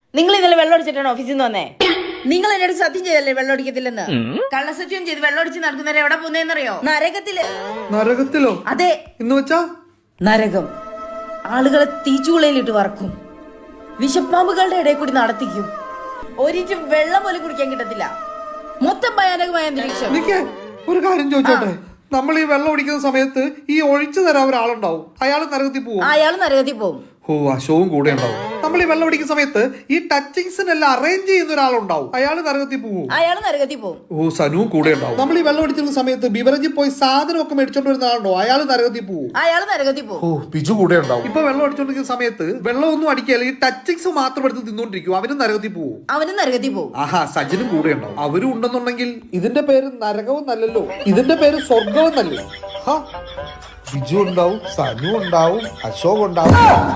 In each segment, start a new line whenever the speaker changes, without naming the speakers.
നിങ്ങൾ ഇന്നലെ വെള്ളം അടിച്ചിട്ടാണ് ഓഫീസിൽ നിന്ന് വന്നേ? നിങ്ങൾ എന്നോട് സത്യം ചെയ്തല്ലേ വെള്ളം അടിക്കത്തില്ലെന്ന്? കള്ളസത്യം ചെയ്ത് വെള്ളം അടിച്ച് നടക്കുന്നവരെ എവിടെ പോകുന്നതെന്നറിയോ? നരകത്തില്.
നരകത്തിലോ?
അതെ.
എന്ന് വെച്ചാ
നരകം. ആളുകളെ തീച്ചുളയിലിട്ട് വറക്കും, വിഷപ്പാമ്പുകളുടെ ഇടയിൽ കൂടി നടത്തിക്കും, ഒരിറ്റ് വെള്ളം പോലും കുടിക്കാൻ കിട്ടത്തില്ല. മൊത്തം ഭയാനകമായ അന്തരീക്ഷം.
ഒരു കാര്യം ചോദിച്ചോട്ടെ, നമ്മൾ ഈ വെള്ളം ഒഴിക്കുന്ന സമയത്ത് ഈ ഒഴിച്ചു തരാൻ ഒരാളുണ്ടാവും, അയാൾ നരകത്തിൽ പോകും.
അയാൾ നരകത്തിൽ പോകും.
ഓ, അശോവും കൂടെ ഉണ്ടാവും. നമ്മൾ ഈ വെള്ളം ഒടിക്കുന്ന സമയത്ത് ഈ ടച്ചിങ്സിനെല്ലാം അറേഞ്ച് ചെയ്യുന്ന ഒരാളുണ്ടാവും, അയാൾ നരകത്തിൽ പോകും.
അയാൾ നരകത്തിൽ പോകും.
ഓ, സനുവും കൂടെ ഉണ്ടാവും. നമ്മൾ ഈ വെള്ളം ഒടിച്ചിരുന്ന സമയത്ത് ബിവറേജിൽ പോയി സാധനമൊക്കെ മേടിച്ചോണ്ട് വരുന്ന ആളുണ്ടോ, അയാൾ നരകത്തിൽ പോകും.
അയാൾ നരകത്തിൽ പോകും.
ഓ, ബിജു കൂടെ ഉണ്ടാവും. ഇപ്പൊ വെള്ളം അടിച്ചോണ്ടിരിക്കുന്ന സമയത്ത് വെള്ളം ഒന്നും അടിക്കുകയല്ല, ഈ ടച്ചിങ്സ് മാത്രം എടുത്ത് തിന്നോണ്ടിരിക്കും, അവനും നരകത്തിൽ പോകും.
അവനും നരകത്തിൽ പോകും.
ആഹാ, സജിനും കൂടെ ഉണ്ടാവും. അവരും ഉണ്ടെന്നുണ്ടെങ്കിൽ ഇതിന്റെ പേര് നരകവും നല്ലല്ലോ, ഇതിന്റെ പേര് സ്വർഗവും നല്ലേ. ബിജു ഉണ്ടാവും, സനു ഉണ്ടാവും, അശോക് ഉണ്ടാവും.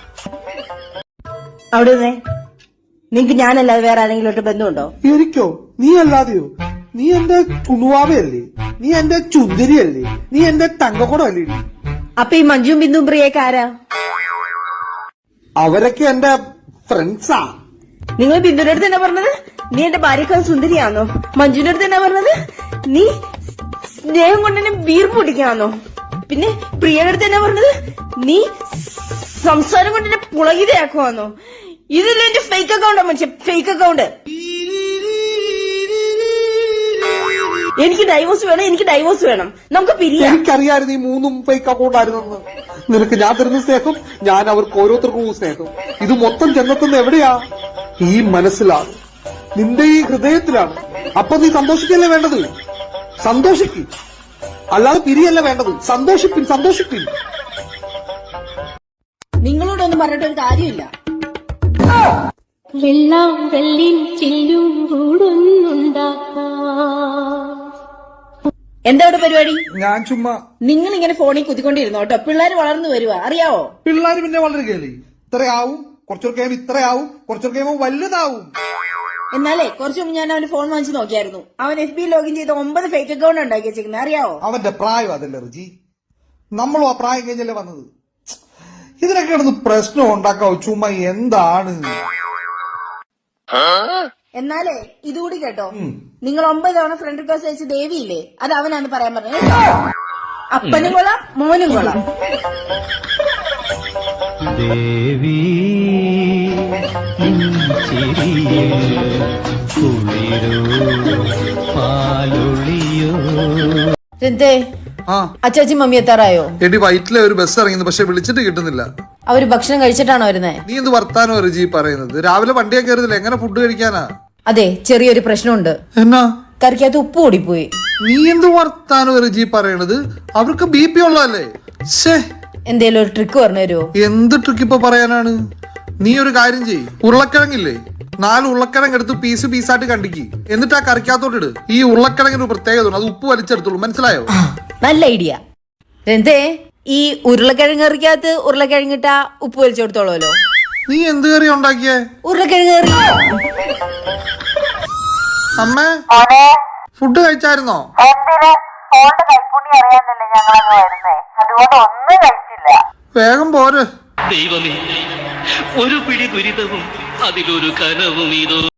അവിടെ നിങ്ങക്ക് ഞാനല്ലാതെ വേറെ ആരെങ്കിലും ബന്ധമുണ്ടോ?
എനിക്കോ? നീ അല്ലാതെയോ? നീ എന്റെ കുണുവാവയല്ലേ, നീ എന്റെ ചുന്ദരിയല്ലേ, നീ എന്റെ തങ്കക്കുടമല്ലേ?
അപ്പൊ ഈ മഞ്ജുവും ബിന്ദുവും പ്രിയൊക്കെ ആരാ?
അവരൊക്കെ എന്റെ ഫ്രണ്ട്സാ.
നിങ്ങൾ ബിന്ദുവിന്റെ അടുത്ത് എന്നാ പറഞ്ഞത്? നീ എന്റെ ഭാര്യക്കാൾ സുന്ദരിയാണോ? മഞ്ജുവിന്റെ അടുത്ത് എന്നാ പറഞ്ഞത്? നീ സ്നേഹം കൊണ്ട് എന്നെ വീർപ്പ് പിടിക്കാന്നോ? പിന്നെ പ്രിയയുടെ അടുത്ത് എന്നാ പറഞ്ഞത്? നീ സംസാരം കൊണ്ട് എന്നെ പുളകിതയാക്കുവാന്നോ? ഇതില്ല എന്റെ ഫേക്ക് അക്കൗണ്ടാ മനുഷ്യ, ഫേക്ക് അക്കൗണ്ട്. എനിക്ക് ഡൈവോഴ്സ് വേണം, എനിക്ക് ഡൈവോഴ്സ് വേണം, നമുക്ക് പിരിയാം.
എനിക്കറിയായിരുന്നു ഈ മൂന്നും ഫേക്ക് അക്കൗണ്ട് ആയിരുന്നെന്ന്. നിനക്ക് ഞാൻ തരുന്ന സ്നേഹം, ഞാൻ അവർക്ക് ഓരോരുത്തർക്കും സ്നേഹം. ഇത് മൊത്തം ചെന്നെത്തുന്ന എവിടെയാ? ഈ മനസ്സിലാണ്, നിന്റെ ഈ ഹൃദയത്തിലാണ്. അപ്പൊ നീ സന്തോഷിക്കല്ലേ വേണ്ടത്? സന്തോഷിക്കും, അല്ലാതെ പിരിയല്ല വേണ്ടത്. സന്തോഷിപ്പിൻ, സന്തോഷിപ്പിൻ.
നിങ്ങളോടൊന്നും പറഞ്ഞിട്ടൊരു കാര്യമില്ല. എന്താ ഇവിടെ പരിപാടി?
ഞാൻ ചുമ്മാ.
നിങ്ങൾ ഇങ്ങനെ ഫോണിൽ കുത്തിക്കൊണ്ടിരുന്നോ കേട്ടോ, പിള്ളേര് വളർന്നു വരുവാ, അറിയാവോ?
പിള്ളേര് പിന്നെ വളരുകയല്ലേ, ഇത്രയാവും, കുറച്ചൊരു കഴിയുമ്പോൾ ഇത്രയാവും, കുറച്ചൊരു കഴിയുമ്പോൾ വലുതാവും.
എന്നാലേ കുറച്ചു മുമ്പ് ഞാൻ അവന്റെ ഫോൺ വാങ്ങിച്ച് നോക്കിയായിരുന്നു. അവൻ FB ലോഗിൻ ചെയ്ത് 9 ഫേക്ക് അക്കൗണ്ട് ഉണ്ടാക്കി വെച്ചിരിക്കുന്നത്, അറിയാവോ?
അവന്റെ പ്രായം അതല്ലേ റിജി, നമ്മളും ആ പ്രായം കഴിഞ്ഞല്ലേ വന്നത്. ഇതിനൊക്കെ കിടന്ന് പ്രശ്നം ഉണ്ടാക്കാവോ ചുമ്മാ? എന്താണ്?
എന്നാലേ ഇതുകൂടി കേട്ടോ, നിങ്ങൾ 9 തവണ ഫ്രണ്ട് റിക്വസ്റ്റ് അയച്ച ദേവിയില്ലേ, അത് അവനാന്ന് പറയാൻ പറഞ്ഞത്. അപ്പനും കൊള്ളാം, മോനും കൊള്ളാം.
ദേവി
അച്ചാച്ചി മമ്മി എത്താറായോ?
എടി വൈറ്റിലെ ഒരു ബസ് ഇറങ്ങുന്നു, പക്ഷെ വിളിച്ചിട്ട് കിട്ടുന്നില്ല.
അവര് ഭക്ഷണം കഴിച്ചിട്ടാണോ വരുന്നത്?
നീ എന്ത് വർത്താനോ റിജി പറയുന്നത്? രാവിലെ വണ്ടിയെ കയറുന്നില്ല, എങ്ങനെ ഫുഡ് കഴിക്കാനാ?
അതെ, ചെറിയൊരു പ്രശ്നമുണ്ട്.
എന്നാ?
കറിക്കകത്ത് ഉപ്പ് കൂടിപ്പോയി.
നീ എന്ത് വർത്താനോ റിജി പറയണത്? അവർക്ക് BP ഉള്ളതല്ലേ?
എന്തേലും ഒരു ട്രിക്ക് പറഞ്ഞു തരുമോ?
എന്ത് ട്രിക്ക് ഇപ്പൊ പറയാനാണ്? നീ ഒരു കാര്യം ചെയ്യ്, ഉരുളക്കിഴങ്ങില്ലേ, 4 ഉരുളക്കിഴങ്ങ് എടുത്ത് പീസ് പീസായിട്ട് കണ്ടിക്ക്, എന്നിട്ട് ആ കറിക്കകത്തോട്ട് ഇട്. ഈ ഉരുളക്കിഴങ്ങിന് പ്രത്യേകത, അത് ഉപ്പ് വലിച്ചെടുത്തോളൂ, മനസ്സിലായോ?
നല്ല ഐഡിയ. എന്തേ ഈ ഉരുളക്കിഴങ്ങ് കറിക്കകത്ത് ഉരുളക്കിഴങ്ങിട്ടാ ഉപ്പ് വലിച്ചു കൊടുത്തോളൂല്ലോ.
നീ എന്ത് കറി ഉണ്ടാക്കിയേ?
ഉരുളക്കിഴങ്ങ് കറി.
അമ്മേ, ഫുഡ് കഴിച്ചായിരുന്നോ? വേഗം പോര്.
ദൈവമേ, ഒരു പിടി ദുരിതവും അതിലൊരു കനവും ഇതോ.